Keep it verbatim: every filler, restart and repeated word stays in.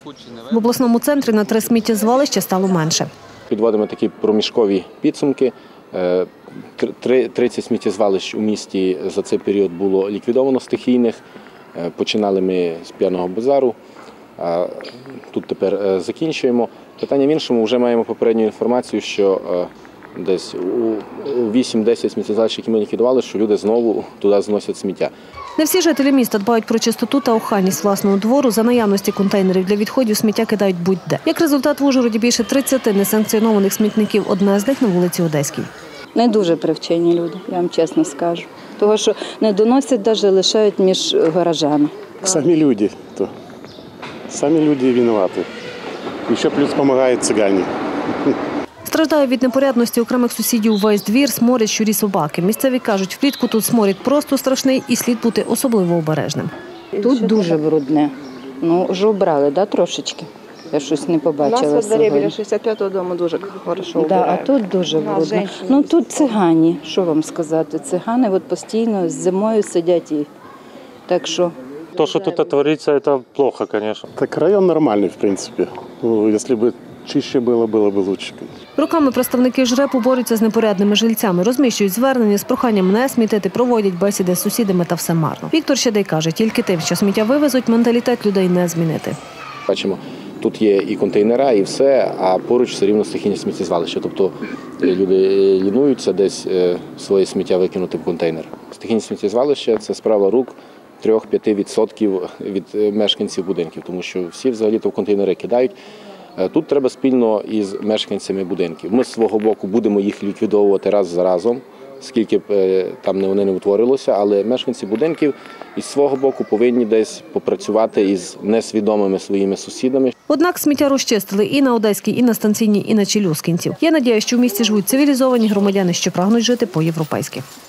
В обласному центрі на три сміттєзвалища стало менше. Підводимо такі проміжкові підсумки. тридцять сміттєзвалищ у місті за цей період було ліквідовано стихійних. Починали ми з п'яного базару, а тут тепер закінчуємо. Питання в іншому, вже маємо попередню інформацію, що десь у вісім-десять сміттєзвалищ, які ми ліквідували, що люди знову туди зносять сміття. Не всі жителі міста дбають про чистоту та охайність власного двору. За наявності контейнерів для відходів сміття кидають будь-де. Як результат, в Ужгороді більше тридцяти несанкціонованих смітників, одна з них на вулиці Одеській. Не дуже привчені люди, я вам чесно скажу. Того, що не доносять, навіть лишають між гаражами. Самі люди, то самі люди винуваті. І ще плюс допомагають цигані. Страждає від непорядності окремих сусідів весь двір, сморять щурі собаки. Місцеві кажуть, влітку тут сморід просто страшний і слід бути особливо обережним. Тут дуже брудне. Ну, вже обрали, да, трошечки? Я щось не побачила. У нас во дворі біля шістдесят п'ятого дому дуже хорошо да, обирають. А тут дуже брудно. Ну тут цигані, що вам сказати, цигани от постійно зимою сидять. І... Так що... То, что тут творится, это плохо, конечно. Так район нормальний, в принципі. Ну, якщо б чище було, було б краще. Роками представники ЖРЕПу борються з непорядними жильцями, розміщують звернення з проханням не смітити, проводять бесіди з сусідами, та все марно. Віктор Щедей каже, тільки тим, що сміття вивезуть, менталітет людей не змінити. Бачимо, тут є і контейнера, і все, а поруч все рівно стихійні сміттєзвалища. Тобто люди лінуються десь своє сміття викинути в контейнер. Стихійні сміттєзвалища – це справа рук три-п'ять відсотків від мешканців будинків, тому що всі взагалі-то в контейнери кидають. Тут треба спільно із мешканцями будинків. Ми з свого боку будемо їх ліквідовувати раз за разом, скільки б там вони не утворилося, але мешканці будинків із свого боку повинні десь попрацювати із несвідомими своїми сусідами. Однак сміття розчистили і на Одеській, і на Станційній, і на Челюскінців. Є надія, що в місті живуть цивілізовані громадяни, що прагнуть жити по-європейськи.